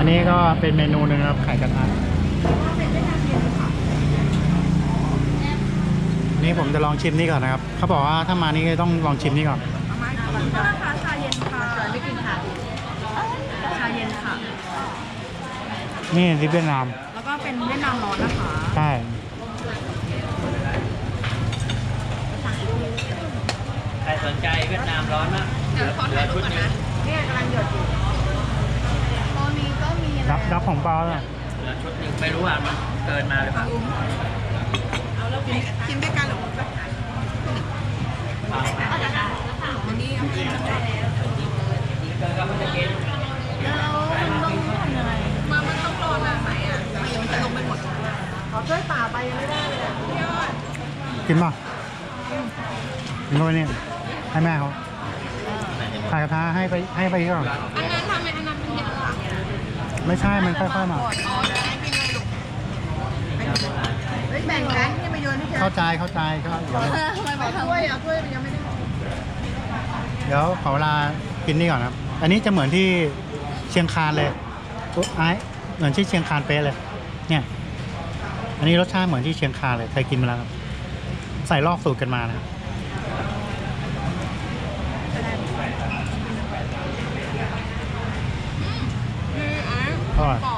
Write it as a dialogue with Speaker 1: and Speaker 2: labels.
Speaker 1: อันนี้ก็เป็นเมนูหนึ่งครับไข่กระทะนี่ผมจะลองชิมนี่ก่อนนะครับเขาบอกว่าถ้ามานี่ต้องลองชิมนี่ก่อน
Speaker 2: ก็ราคาชาเย็นค่ะไม่กินค่ะชาเย็นค่ะ
Speaker 1: นี่ที่เวียดนาม
Speaker 2: แล้วก็เป็นเวียดนามร้อนนะคะ
Speaker 1: ใช่
Speaker 3: ใครสนใจเวียดนามร้อนมาก
Speaker 2: เดี๋ยวขอถ่ายรูปก่อนนะเนี่ยกำลังหยดอยู่ตอนนี้ก็มี
Speaker 1: รับของเปล่าเลย
Speaker 3: เหลือชุดหนึ่งไม่รู้ว่ามันเกินมาหรือเปล่า
Speaker 2: กินด้วยกันหรือเปล่าวันนี้เอากินกันได้แล้ว
Speaker 3: เกินก็ไม่จะกิน
Speaker 2: แล้วต้องทำยังไงมันต้องรอนานไหมอ่ะมันยังจะลงไปหมดขอช่วยป่าไปยังไม่ได้เลยอ่ะพี่ยอด
Speaker 1: กินป่ะกินเข้าไปนี่ให้แม่เขาไข่กระทะให้ไปก่อน
Speaker 2: อันนั้นทำไมอันนั้นเป็นเยอะอ่ะ
Speaker 1: ไม่ใช่มันค่อยๆมา
Speaker 2: อ๋อจะได้กินเลยลูกแบ่งกันที่มาโยนให้เธอ
Speaker 1: เข้าใจก็เดี๋ยว
Speaker 2: ทำไมบอกถ้วยอ่ะถ้วยมันยังไม่ได้
Speaker 1: เดี๋ยวขอเวลากินนี่ก่อนครับ อันนี้จะเหมือนที่เชียงคานเลยไอ้เหมือนที่เชียงคานเป๊ะเลย เนี่ย อันนี้รสชาติเหมือนที่เชียงคานเลยเคยกินมาแล้วครับใส่ลอกสูตรกันมานะครับอร่อย